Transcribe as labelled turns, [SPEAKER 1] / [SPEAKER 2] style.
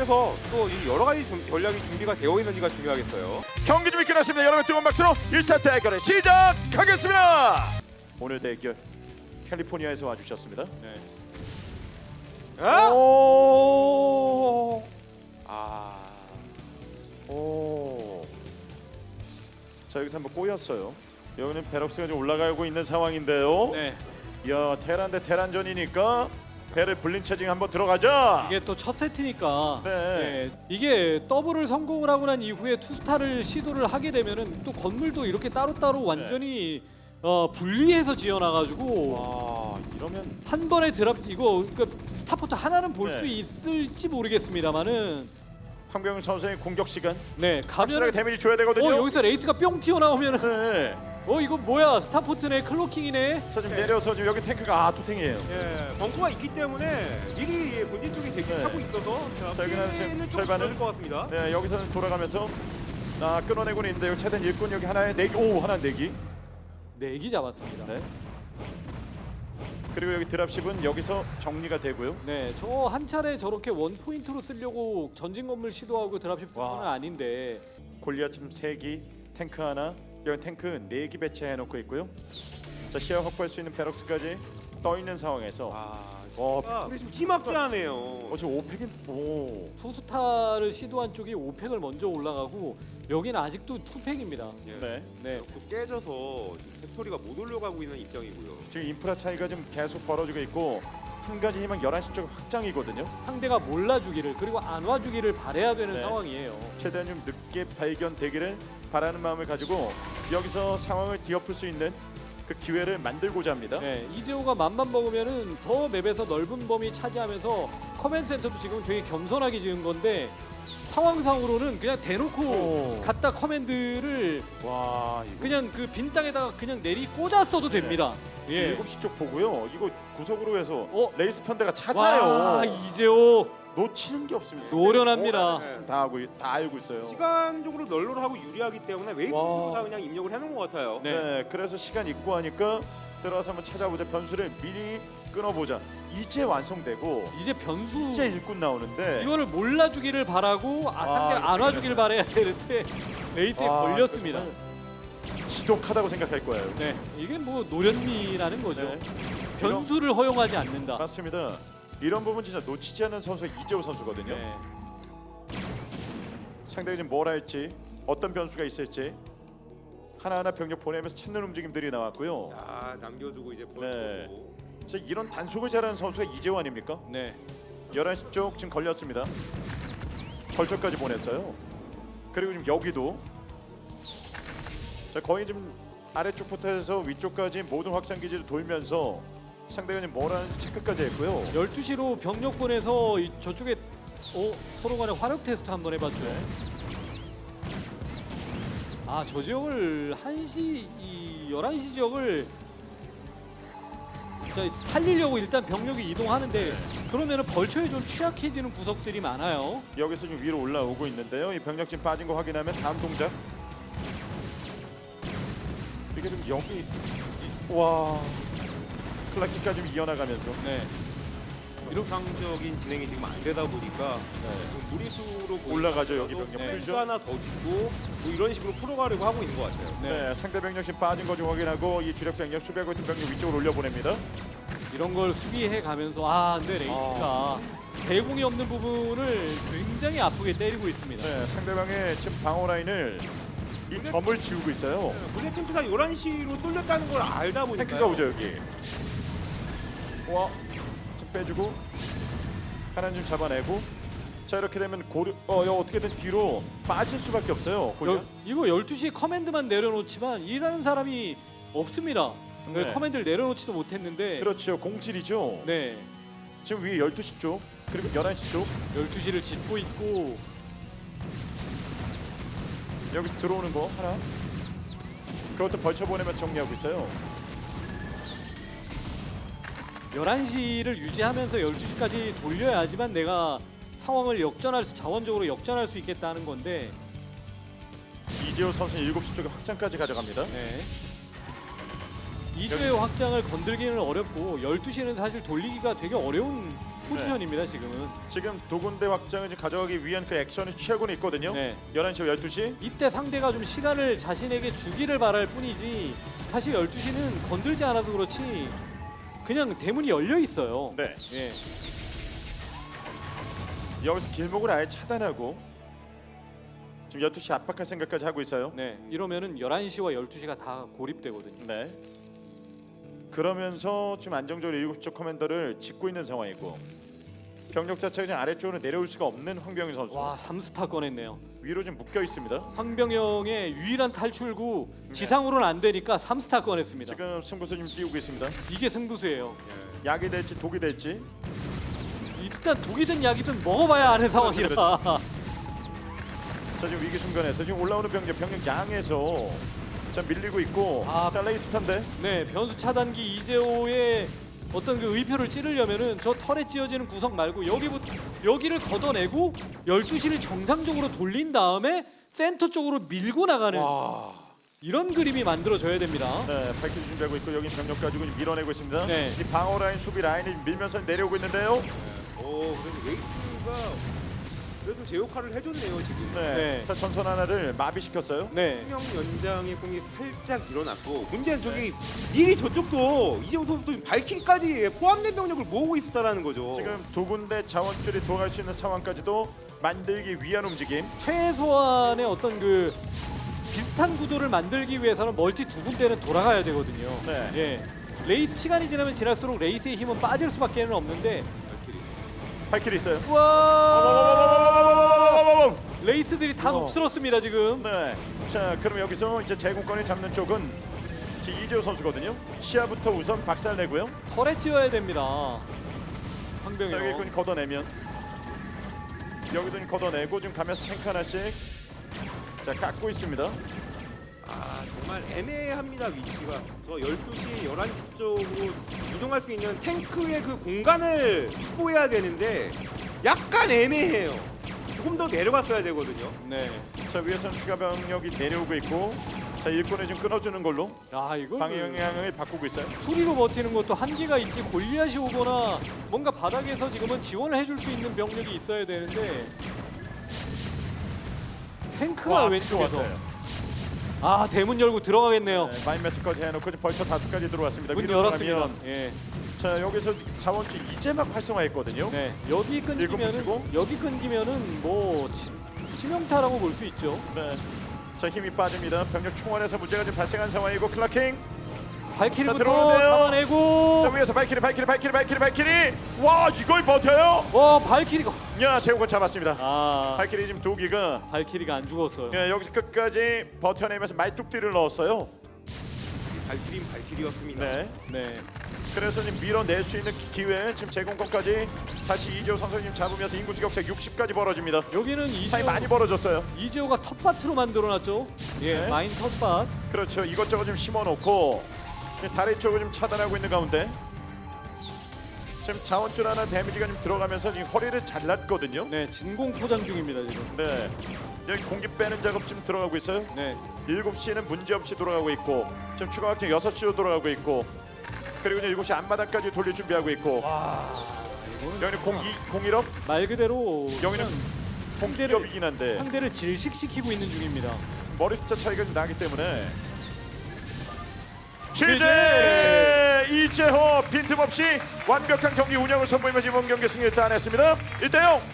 [SPEAKER 1] 그래서 또 이 여러 가지 전략이 준비가 되어 있는지가 중요하겠어요.
[SPEAKER 2] 경기 준비 끝났습니다. 여러분 뜨거운 박수로 1사 대결을 시작하겠습니다. 오늘 대결 캘리포니아에서 와주셨습니다.
[SPEAKER 1] 네.
[SPEAKER 2] 오.
[SPEAKER 1] 아,
[SPEAKER 2] 오. 자 여기서 한번 꼬였어요. 여기는 베럭스가 좀 올라가고 있는 상황인데요.
[SPEAKER 3] 네,
[SPEAKER 2] 야 테란 대 테란전이니까 배를 불린 체증 한번 들어가자.
[SPEAKER 3] 이게 또 첫 세트니까
[SPEAKER 2] 네.
[SPEAKER 3] 네, 이게 더블을 성공을 하고 난 이후에 투스타를 시도를 하게 되면은 또 건물도 이렇게 따로따로 완전히 분리해서 지어놔가지고
[SPEAKER 2] 와 이러면
[SPEAKER 3] 한 번에 드랍 이거 그러니까 스타포트 하나는 볼 수
[SPEAKER 2] 네.
[SPEAKER 3] 있을지 모르겠습니다만은
[SPEAKER 2] 황병훈 선수의 공격 시간
[SPEAKER 3] 네
[SPEAKER 2] 확실하게
[SPEAKER 3] 가면
[SPEAKER 2] 데미지 줘야 되거든요.
[SPEAKER 3] 여기서 레이스가 뿅 튀어나오면은
[SPEAKER 2] 네.
[SPEAKER 3] 이거 뭐야 스타포트네 클로킹이네.
[SPEAKER 2] 자 지금 내려서 지금 여기 탱크가 투탱이에요.
[SPEAKER 1] 예, 벙커가 있기 때문에 미리 본진 쪽에
[SPEAKER 2] 네.
[SPEAKER 1] 대기하고 있어서
[SPEAKER 2] 자, 여기는 지금
[SPEAKER 1] 피해는 좀
[SPEAKER 2] 절반은-
[SPEAKER 1] 줄어들 것 같습니다.
[SPEAKER 2] 네 여기서는 돌아가면서 끊어내고는 있는데 여기 최대한 일꾼 여기 하나에 내기 하나 내기.
[SPEAKER 3] 내기 잡았습니다.
[SPEAKER 2] 네. 그리고 여기 드랍십은 여기서 정리가 되고요.
[SPEAKER 3] 네, 저 한 차례 저렇게 원 포인트로 쓰려고 전진 건물 시도하고 드랍십 쓴
[SPEAKER 2] 와.
[SPEAKER 3] 건 아닌데.
[SPEAKER 2] 골리앗 지금 3기, 탱크 하나, 여기 탱크 4기 배치해 놓고 있고요. 자 시야 확보할 수 있는 베럭스까지 떠 있는 상황에서
[SPEAKER 1] 아, 좀 기막지하네요.
[SPEAKER 2] 지금 5팩인 오.
[SPEAKER 3] 투스타를 시도한 쪽이 5팩을 먼저 올라가고 여기는 아직도 2팩입니다.
[SPEAKER 1] 예.
[SPEAKER 2] 네.
[SPEAKER 3] 네.
[SPEAKER 1] 또 깨져서 팩토리가 못 올려가고 있는 입장이고요.
[SPEAKER 2] 지금 인프라 차이가 좀 계속 벌어지고 있고 한 가지 희망 11시 쪽 확장이거든요.
[SPEAKER 3] 상대가 몰라주기를 그리고 안 와주기를 바래야 되는
[SPEAKER 2] 네.
[SPEAKER 3] 상황이에요.
[SPEAKER 2] 최대한 좀 늦게 발견되기를 바라는 마음을 가지고 여기서 상황을 뒤엎을 수 있는 그 기회를 만들고자 합니다.
[SPEAKER 3] 네, 이재호가 맘만 먹으면은 더 맵에서 넓은 범위 차지하면서 커맨드 센터도 지금 되게 겸손하게 지은 건데 상황상으로는 그냥 대놓고
[SPEAKER 2] 오.
[SPEAKER 3] 갖다 커맨드를
[SPEAKER 2] 와 이거
[SPEAKER 3] 그냥 그 빈 땅에다가 그냥 내리 꽂았어도
[SPEAKER 2] 네.
[SPEAKER 3] 됩니다. 예.
[SPEAKER 2] 7시 쪽 보고요. 이거 구석으로 해서
[SPEAKER 3] 어?
[SPEAKER 2] 레이스 편대가 찾아요.
[SPEAKER 3] 와 이재호
[SPEAKER 2] 놓치는 게 없습니다.
[SPEAKER 3] 노련합니다.
[SPEAKER 1] 네.
[SPEAKER 2] 다 알고 있어요.
[SPEAKER 1] 시간적으로 널널하고 유리하기 때문에
[SPEAKER 2] 와.
[SPEAKER 1] 웨이브로 다 그냥 입력을 해놓은 것 같아요.
[SPEAKER 3] 네.
[SPEAKER 2] 네, 그래서 시간 있고 하니까 들어가서 한번 찾아보자. 변수를 미리 끊어보자. 이제 완성되고
[SPEAKER 3] 이제 변수
[SPEAKER 2] 이제 일꾼 나오는데
[SPEAKER 3] 이거를 몰라주기를 바라고 상대가
[SPEAKER 2] 이거
[SPEAKER 3] 안 와주기를 바라야 되는데 레이스에 걸렸습니다.
[SPEAKER 2] 정말 지독하다고 생각할 거예요.
[SPEAKER 3] 네, 이게 뭐 노련미라는 거죠.
[SPEAKER 2] 네.
[SPEAKER 3] 변수를 허용하지 않는다.
[SPEAKER 2] 맞습니다. 이런 부분 진짜 놓치지 않는 선수가 이재호 선수거든요.
[SPEAKER 3] 네.
[SPEAKER 2] 상대가 지금 뭘 할지 어떤 변수가 있을지 하나하나 병력 보내면서 찾는 움직임들이 나왔고요.
[SPEAKER 1] 야, 남겨두고 이제
[SPEAKER 2] 네.
[SPEAKER 1] 보여주고.
[SPEAKER 2] 진짜 이런 단속을 잘하는 선수가 이재호 아닙니까?
[SPEAKER 3] 네.
[SPEAKER 2] 11시 쪽 지금 걸렸습니다. 벌초까지 보냈어요. 그리고 지금 여기도 자, 거의 지금 아래쪽부터 해서 위쪽까지 모든 확장 기지를 돌면서 상대가 지금 뭘 하는지 체크까지 했고요.
[SPEAKER 3] 12시로 병력 보내서 저쪽에 서로 간에 화력 테스트 한번 해봤죠. 저 지역을 11시 지역을 살리려고 일단 병력이 이동하는데 그러면은 벌처에 좀 취약해지는 구석들이 많아요.
[SPEAKER 2] 여기서 지금 위로 올라오고 있는데요. 이 병력 지금 빠진 거 확인하면 다음 동작. 이게 좀 여기 와 클라키까지 좀 이어나가면서
[SPEAKER 3] 네.
[SPEAKER 1] 이상적인 진행이 지금 안 되다 보니까 좀 무리수로
[SPEAKER 2] 올라가죠, 여기 병력.
[SPEAKER 1] 펜스
[SPEAKER 2] 풀죠?
[SPEAKER 1] 하나 더 짓고 뭐 이런 식으로 풀어가려고 하고 있는 것 같아요.
[SPEAKER 2] 네, 상대 병력 지금 빠진 거 좀 확인하고 이 주력 병력 수비하고 있는 병력 위쪽으로 올려보냅니다.
[SPEAKER 3] 이런 걸 수비해 가면서 근데 레이스가 대공이 없는 부분을 굉장히 아프게 때리고 있습니다.
[SPEAKER 2] 네, 상대방의 지금 방어 라인을 이 점을 지우고 있어요.
[SPEAKER 1] 문제 탱크가 11시로 쏠렸다는 걸 알다 보니까
[SPEAKER 2] 탱크가 오죠 여기. 와, 좀 빼주고 하나 좀 잡아내고. 자 이렇게 되면 어떻게든 뒤로 빠질 수밖에 없어요.
[SPEAKER 3] 이거 12시에 커맨드만 내려놓지만 일하는 사람이 없습니다.
[SPEAKER 2] 네.
[SPEAKER 3] 커맨드를 내려놓지도 못했는데
[SPEAKER 2] 그렇죠, 공질이죠.
[SPEAKER 3] 네,
[SPEAKER 2] 지금 위에 12시 쪽 그리고 11시 쪽
[SPEAKER 3] 12시를 짓고 있고
[SPEAKER 2] 여기서 들어오는 거 하나 그것도 벌쳐보내면서 정리하고 있어요.
[SPEAKER 3] 11시를 유지하면서 12시까지 돌려야지만 내가 상황을 자원적으로 역전할 수 있겠다는 건데
[SPEAKER 2] 이재호 선수 7시 쪽에 확장까지 가져갑니다.
[SPEAKER 3] 네. 2주의 확장을 건들기는 어렵고 12시는 사실 돌리기가 되게 어려운 포지션입니다 지금은.
[SPEAKER 2] 지금 두 군데 확장을 지금 가져가기 위한 그 액션을 취하고는 있거든요.
[SPEAKER 3] 네.
[SPEAKER 2] 11시와 12시.
[SPEAKER 3] 이때 상대가 좀 시간을 자신에게 주기를 바랄 뿐이지 사실 12시는 건들지 않아서 그렇지 그냥 대문이 열려 있어요.
[SPEAKER 2] 네.
[SPEAKER 3] 예.
[SPEAKER 2] 여기서 길목을 아예 차단하고 지금 12시 압박할 생각까지 하고 있어요.
[SPEAKER 3] 네. 이러면은 11시와 12시가 다 고립되거든요.
[SPEAKER 2] 네. 그러면서 지금 안정적으로 7쪽 커맨더를 짓고 있는 상황이고 병력 자체가 지금 아래쪽으로 내려올 수가 없는 황병희 선수.
[SPEAKER 3] 와, 3스타 꺼냈네요.
[SPEAKER 2] 위로 지금 묶여 있습니다.
[SPEAKER 3] 황병영의 유일한 탈출구 지상으로는 안 되니까 3스타 꺼냈습니다.
[SPEAKER 2] 지금 승부수 지금 띄우고 있습니다.
[SPEAKER 3] 이게 승부수예요.
[SPEAKER 2] 약이 될지 독이 될지.
[SPEAKER 3] 일단 독이든 약이든 먹어봐야 아는 상황이라.
[SPEAKER 2] 자 지금 위기 순간에서 지금 올라오는 병력 양에서 자 밀리고 있고 자 레이스 편대.
[SPEAKER 3] 네, 변수 차단기 이재호의 어떤 그 의표를 찌르려면은 저 털에 찌어지는 구석 말고 여기를 걷어내고 12시를 정상적으로 돌린 다음에 센터 쪽으로 밀고 나가는 이런 그림이 만들어져야 됩니다.
[SPEAKER 2] 네, 발키리 준비하고 있고 여기 병력 가지고 밀어내고 있습니다.
[SPEAKER 3] 네.
[SPEAKER 2] 이 방어 라인, 수비 라인이 밀면서 내려오고 있는데요.
[SPEAKER 1] 그래도 레이스가 그래도 제 역할을 해줬네요 지금.
[SPEAKER 2] 네.
[SPEAKER 3] 네.
[SPEAKER 2] 자 전선 하나를 마비시켰어요.
[SPEAKER 3] 네.
[SPEAKER 1] 수명 연장의 공이 살짝 일어났고 문제는 저기 미리 저쪽도 이재호 선수도 발키리까지 포함된 병력을 모으고 있었다라는 거죠.
[SPEAKER 2] 지금 두 군데 자원줄이 돌아갈 수 있는 상황까지도 만들기 위한 움직임.
[SPEAKER 3] 최소한의 어떤 그 비슷한 구도를 만들기 위해서는 멀티 두 군데는 돌아가야 되거든요.
[SPEAKER 2] 네.
[SPEAKER 3] 예. 레이스 시간이 지나면 지날수록 레이스의 힘은 빠질 수밖에 없는데
[SPEAKER 1] 발키리.
[SPEAKER 2] 발키리 있어요.
[SPEAKER 3] 와 레이스들이 다
[SPEAKER 2] 우와.
[SPEAKER 3] 녹슬었습니다 지금.
[SPEAKER 2] 네. 자 그럼 여기서 이제 제공권을 잡는 쪽은 지금 이재호 선수거든요. 시야부터 우선 박살내고요.
[SPEAKER 3] 털에 찌어야 됩니다.
[SPEAKER 2] 자, 여기
[SPEAKER 3] 황병영.
[SPEAKER 2] 끈 걷어내면 여기도 좀 걷어내고 지금 가면서 탱크 하나씩 자 깎고 있습니다.
[SPEAKER 1] 정말 애매합니다 위치가. 저 12시, 11시 쪽으로 이동할 수 있는 탱크의 그 공간을 확보해야 되는데 약간 애매해요. 조금 더 내려갔어야 되거든요.
[SPEAKER 3] 네.
[SPEAKER 2] 자 위에서는 추가 병력이 내려오고 있고 자 일꾼을 좀 끊어주는 걸로
[SPEAKER 3] 야 이거
[SPEAKER 2] 방해 영향을 바꾸고 있어요.
[SPEAKER 3] 수리로 버티는 것도 한계가 있지. 골리앗이 오거나 뭔가 바닥에서 지금은 지원을 해줄 수 있는 병력이 있어야 되는데 탱크가 왼쪽에서 대문 열고 들어가겠네요.
[SPEAKER 2] 네, 마인매스까지 해놓고 지금 벌써 5가지 들어왔습니다.
[SPEAKER 3] 문
[SPEAKER 2] 위로
[SPEAKER 3] 열었습니다.
[SPEAKER 2] 들어가면
[SPEAKER 3] 예.
[SPEAKER 2] 자 여기서 자원줄 이제 막 활성화했거든요.
[SPEAKER 3] 네. 여기 끊기면은 뭐 치명타라고 볼 수 있죠.
[SPEAKER 2] 네. 자 힘이 빠집니다. 병력 충원에서 문제가 좀 발생한 상황이고 클라킹.
[SPEAKER 3] 발키리부터
[SPEAKER 2] 들어오는데요. 자
[SPEAKER 3] 잡아내고.
[SPEAKER 2] 위에서 발키리. 와 이걸 버텨요?
[SPEAKER 3] 발키리가.
[SPEAKER 2] 야 제국은 잡았습니다. 발키리 지금 2기가
[SPEAKER 3] 발키리가 안 죽었어요.
[SPEAKER 2] 여기서 끝까지 버텨내면서 말뚝띠를 넣었어요.
[SPEAKER 1] 발키리는 발키리였습니다.
[SPEAKER 2] 네.
[SPEAKER 3] 네.
[SPEAKER 2] 그래서 지금 밀어낼 수 있는 기회 지금 제공권까지 다시 이재호 선수님 잡으면서 인구수 격차 60까지 벌어집니다.
[SPEAKER 3] 여기는
[SPEAKER 2] 차이 많이 벌어졌어요.
[SPEAKER 3] 이재호가 텃밭으로 만들어놨죠. 예,
[SPEAKER 2] 네.
[SPEAKER 3] 마인 텃밭.
[SPEAKER 2] 그렇죠. 이것저것 좀 심어놓고 다리 쪽을 좀 차단하고 있는 가운데 지금 자원줄 하나 데미지가 좀 들어가면서 지금 허리를 잘랐거든요.
[SPEAKER 3] 네, 진공 포장 중입니다 지금.
[SPEAKER 2] 네. 여기 공기 빼는 작업 지금 들어가고 있어요.
[SPEAKER 3] 네.
[SPEAKER 2] 7시에는 문제없이 돌아가고 있고 지금 추가 확정 6시로 돌아가고 있고 그리고 이제 7시 앞마당까지 돌릴 준비하고 있고 여기는 01업
[SPEAKER 3] 말 그대로
[SPEAKER 2] 여기는 공기업이긴 한데
[SPEAKER 3] 상대를 질식시키고 있는 중입니다.
[SPEAKER 2] 머리 숫자 차이가 좀 나기 때문에 취재 이재호 빈틈없이 완벽한 경기 운영을 선보이면서 이번 경기 승리를 따냈습니다. 1대0